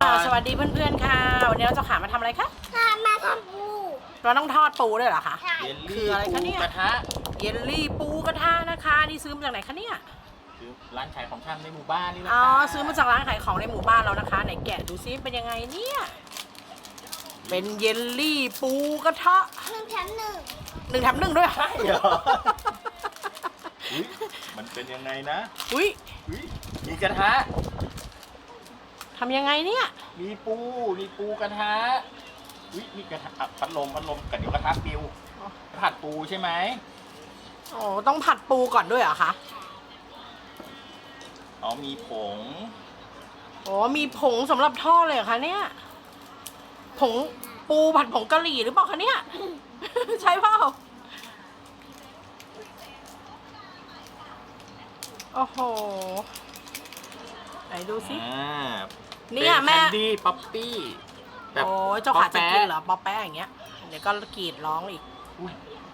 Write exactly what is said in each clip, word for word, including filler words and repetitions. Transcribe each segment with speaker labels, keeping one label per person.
Speaker 1: สวัสดีเพื่อนๆค่ะวันนี้เราจะขามาทำอะไรคะ
Speaker 2: ค่ะมาทำปู
Speaker 1: เราต้องทอดปูด้วยเหรอคะ
Speaker 2: ใช่
Speaker 3: เยล
Speaker 1: คื
Speaker 3: ลี่
Speaker 1: ออะไรคะ
Speaker 3: ปู
Speaker 1: เนี่ย
Speaker 3: กระทะ
Speaker 1: เยลลี่ปูกระทะนะคะนี่ซื้อมาจากไหนคะเนี่ย
Speaker 3: คือร้านขายของชำในหมู่บ้านนี่แหละ
Speaker 1: อ๋อ
Speaker 3: ค่ะ
Speaker 1: ซื้อมาจากร้านขายของในหมู่บ้านเรานะคะไหนแกะดูซิเป็นยังไงเนี่ยเป็นเยลลี่ปูกระทะ
Speaker 2: หนึ่งแถมหนึ่ง
Speaker 1: หนึ่งแถมหนึ่งด้วย
Speaker 3: ใช่เหรออุ๊ยมันเป็นยังไงนะ
Speaker 1: อุ้ย
Speaker 3: อุ๊ยมีกระทะ
Speaker 1: ทำยังไงเนี่ย
Speaker 3: มีปูมีปูกระทะอุ๊ยมีกระทะอ่ะพัดลมพัดลมกับเดี๋ยวกระทะปิวผัดปูใช่ไหม
Speaker 1: โอ้ต้องผัดปูก่อนด้วยเหรอคะ
Speaker 3: อ๋อมีผง
Speaker 1: โอ้มีผงสำหรับทอดเลยเหรอคะเนี่ยผงปูผัดผงกะหรี่หรือเปล่าคะเนี่ย ใช่เปล่าโอ้โหไหนดูสิ
Speaker 3: อ่า
Speaker 1: เนี่ยแม่
Speaker 3: ป็แคนดี้ป๊อปปี้แบบ
Speaker 1: โอ้ยเจ้าขาจะกินเหร
Speaker 3: ป๊
Speaker 1: อป๊อปแป๊ะอย่างเงี้ยเดี๋ยวก็กรีดร้องอีก
Speaker 3: อุ๊ย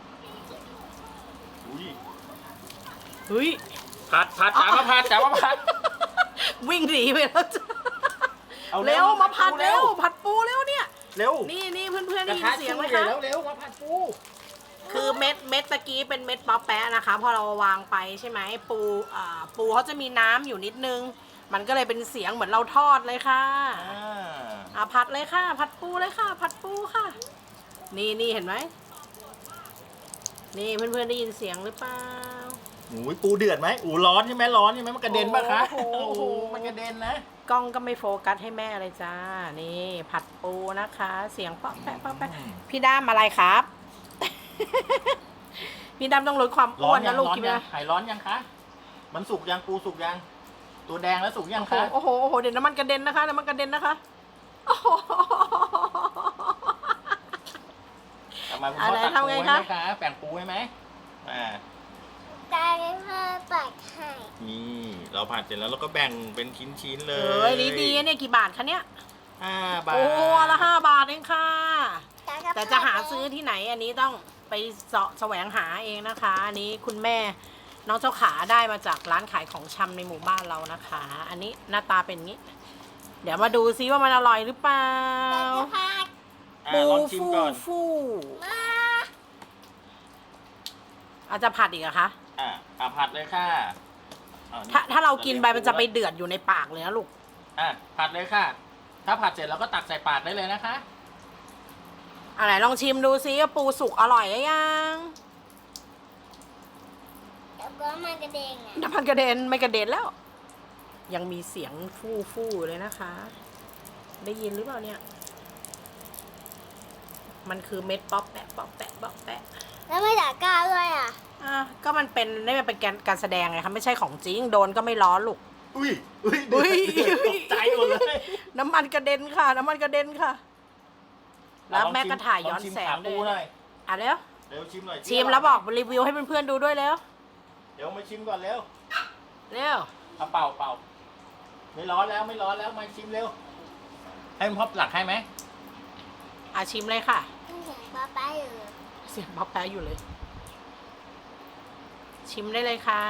Speaker 3: อุ๊ย
Speaker 1: เฮ้ย
Speaker 3: ผัดผัดจ๋ามาผัดจ๋ามาผัด
Speaker 1: วิ่งหนีไปแล้วจ้ะ
Speaker 3: เอา
Speaker 1: เร็วมาผัด
Speaker 3: เร็
Speaker 1: เร็ว
Speaker 3: ว
Speaker 1: ผัดปูเร็วเนี่ย
Speaker 3: เร็ว
Speaker 1: นี่นี่เพื่อนๆ
Speaker 3: ก
Speaker 1: ได้
Speaker 3: ระ
Speaker 1: ยิ
Speaker 3: ทะ
Speaker 1: นเสียงไหม
Speaker 3: ช่ว
Speaker 1: คะ
Speaker 3: เร็วเร็วมาผัดปู
Speaker 1: คือเม็ดเม็ดตะกี้เป็นเม็ดป๊อปแป๊ะนะคะพอเราวางไปใช่ไหมปูอ่าปูเขาจะมีน้ำอยู่นิดนึง มันก็เลยเป็นเสียงเหมือนเราทอดเลยค่ะ
Speaker 3: อ่า
Speaker 1: อ่ะผัดเลยค่ะ ผัดปูเลยค่ะ ผัดปูค่ะ นี่นี่เห็นไหมนี่เพื่อนๆได้ยินเสียงหรือเปล่า
Speaker 3: หมูปูเดือดไหมอูร้อนใช่ไหมร้อนใช่ไหมมันกระเด็นปะคะ
Speaker 1: โอ้โห
Speaker 3: โอ้โหมันกระเด็นนะ
Speaker 1: กล้องก็ไม่โฟกัสให้แม่เลยจ้า นี่ผัดปูนะคะ เสียงป๊อปแป๊ะป๊อปแป๊ะพี่ด้ามอะไรครับ พี่ด้ามต้องลดความ
Speaker 3: ร้
Speaker 1: อ้
Speaker 3: อ
Speaker 1: วน น
Speaker 3: ยั
Speaker 1: นะ
Speaker 3: ง
Speaker 1: ลูก
Speaker 3: ร้อน
Speaker 1: คิด
Speaker 3: ยั
Speaker 1: นะ
Speaker 3: งหายร้อนยังคะมันสุกยังปูสุกยังตัวแดงแล้วสุกยังคะ
Speaker 1: โอ้โหโอ้โหเดี๋ยวน้ำมันกระเด็นนะคะน้ำมันกระเด็นนะคะโอ้โห
Speaker 3: ทำไมคุณ
Speaker 1: อะ
Speaker 3: พ่อ
Speaker 1: ไร
Speaker 3: ตัก
Speaker 1: ทำ
Speaker 3: ปู
Speaker 1: ไง
Speaker 3: ให้ไห
Speaker 1: คะ
Speaker 3: มคะแบ่งปูให้ไหมอ่า
Speaker 2: ตาได้พ่อปัดให้
Speaker 3: นี่เราผัดเสร็จแล้วเราก็แบ่งเป็นชิ้นๆเล
Speaker 1: เอ้ยนี่ดีเนี่ยกี่บาทคะเนี่ย
Speaker 3: ห้าบาท
Speaker 1: โอ้ละห้าบาทเองค่ะ
Speaker 2: ตาก็
Speaker 1: แต่จะหาซื้อที่ไหนอันนี้ต้องไปเสาะแสวงหาเองนะคะ อันนี้คุณแม่น้องเจ้าขาได้มาจากร้านขายของชำในหมู่บ้านเรานะคะ อันนี้หน้าตาเป็นงี้ เดี๋ยวมาดูซิว่ามันอร่อยหรือเปล่า
Speaker 2: ตาจะพัด
Speaker 3: อ่ะ
Speaker 1: ปู
Speaker 3: ลองชิม
Speaker 1: ฟู
Speaker 3: ก่อน
Speaker 1: ฟู
Speaker 2: มา
Speaker 1: อาจจะผัดอีกเหรอคะ
Speaker 3: อ่ะอ่ะผัดเลยค่ะอ่นี่
Speaker 1: ถ้าถ้าเรากินไปมันจะไปเดือดอยู่ในปากเลยนะลูก
Speaker 3: อ่ะผัดเลยค่ะ ถ้าผัดเสร็จเราก็ตักใส่ปากได้เลยนะคะ
Speaker 1: อะไรลองชิมดูซิว่าปูสุกอร่อยหรือยัง
Speaker 2: แล้วก็มันกระเด้งอ่ะ
Speaker 1: น้ำมันกระเด็นไม่กระเด็นแล้ว ยังมีเสียงฟู่ฟู่เลยนะคะ ได้ยินหรือเปล่าเนี่ย มันคือเม็ดป๊อปแปะป๊อปแปะป๊อปแปะ
Speaker 2: แล้วไม่ด่ากล้าด้วยอ่ะ
Speaker 1: อ่ะก็มันเป็นนี่มันเป็นการการแสดงไงคะไม่ใช่ของจริงโดนก็ไม่ร้อนลูก
Speaker 3: อุ้ยอุ้ย
Speaker 1: อุ้ย
Speaker 3: เดือดตกใจหมดเลย
Speaker 1: น้ำมันกระเด็นค่ะ น้ำมันกระเด็นค่ะ แล้วแม่ก็ถ่ายย้อนแสง
Speaker 3: ลอชิมขาปู
Speaker 1: ด้วย
Speaker 3: หน่อย
Speaker 1: อ่ะเร็ว
Speaker 3: เร็วชิมหน่อย
Speaker 1: ชิมแล้วบอกรีวิวให้เพื่อนๆดูด้วยเร็ว
Speaker 3: เดี๋ยวมาชิมก่อนเร็ว
Speaker 1: เร็ว
Speaker 3: เอาเป่าเป่าไม่ร้อนแล้วไม่ร้อนแล้วมาชิมเร็ว ให้มันพ่อหลักให้ไหม
Speaker 1: อ่ะชิมเลยค่ะ
Speaker 2: เสียงป้าป้าอยู่
Speaker 1: เสียงป๊อปแปะอยู่เลย ชิมได้เลยค่ะ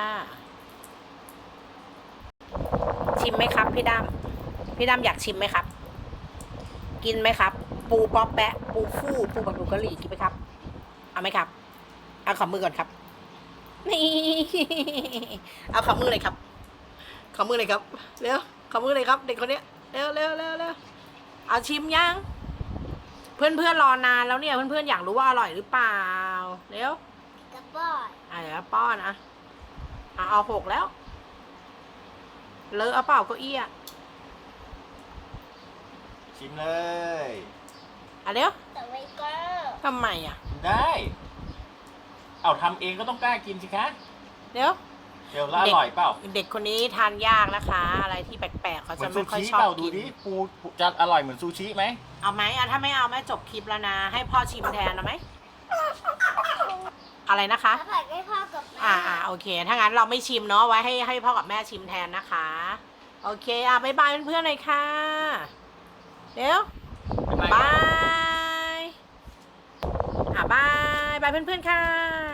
Speaker 1: ชิมไหมครับพี่ดำพี่ดำอยากชิมไหมครับ กินไหมครับ ปูป๊อปแปะ ปูฟู่ปูผัดผงกะหรี่กินไหมครับ เอาไหมครับ เอาขอมือก่อนครับ นี่ เอาขอมือเลยครับ ขอมือเลยครับ เร็ว ขอมือเลยครับ เด็กคนเนี้ย เร็วเร็วเร็วเร็วเอาชิมยัง เพื่อนเพื่อนรอนานแล้วเนี่ย เพื่อนเพื่อนอยากรู้ว่าอร่อยหรือเปล่า เร็ว
Speaker 2: กระป๋อย
Speaker 1: อ่ะเดี๋ยวป้อนอ่ะอ่ะเอาหกแล้ว เลอะเอาเปล่าเก็อี้อ่ะ
Speaker 3: ชิมเลย
Speaker 1: อ่ะเดี๋ยว
Speaker 2: แต่ไว้ก็
Speaker 1: ทำไมอ่ะ
Speaker 3: ได้ เอาทำเองก็ต้องกล้ากินสิคะ
Speaker 1: เดี๋ยว
Speaker 3: เดี๋ยวแล้วอร่อยเปล่า
Speaker 1: เด็กคนนี้ทานยากนะคะ อะไรที่แปลกๆเขา
Speaker 3: เหมื
Speaker 1: จะ
Speaker 3: อนซู
Speaker 1: ไม่ค่อย
Speaker 3: ชิ
Speaker 1: ชอบ
Speaker 3: เปล่าดู
Speaker 1: กิน
Speaker 3: ดิปูปูจะอร่อยเหมือนซูชิไหม
Speaker 1: เอาไหมอ่ะถ้าไม่เอาแม่จบคลิปแล้วนะ ให้พ่อชิมแทนเอาไหมอะไรนะคะ
Speaker 2: ถ้าผัดให้พ่อกับแม่
Speaker 1: อ่าอ่าโอเค ถ้างั้นเราไม่ชิมเนาะไว้ให้ให้พ่อกับแม่ชิมแทนนะคะ โอเคอ่ะบ๊ายบายเพื่อนๆหน่อยค่ะเดี๋ยว
Speaker 3: เป็นไร
Speaker 1: บายอ่ะบายบายเพื่อนๆค่ะ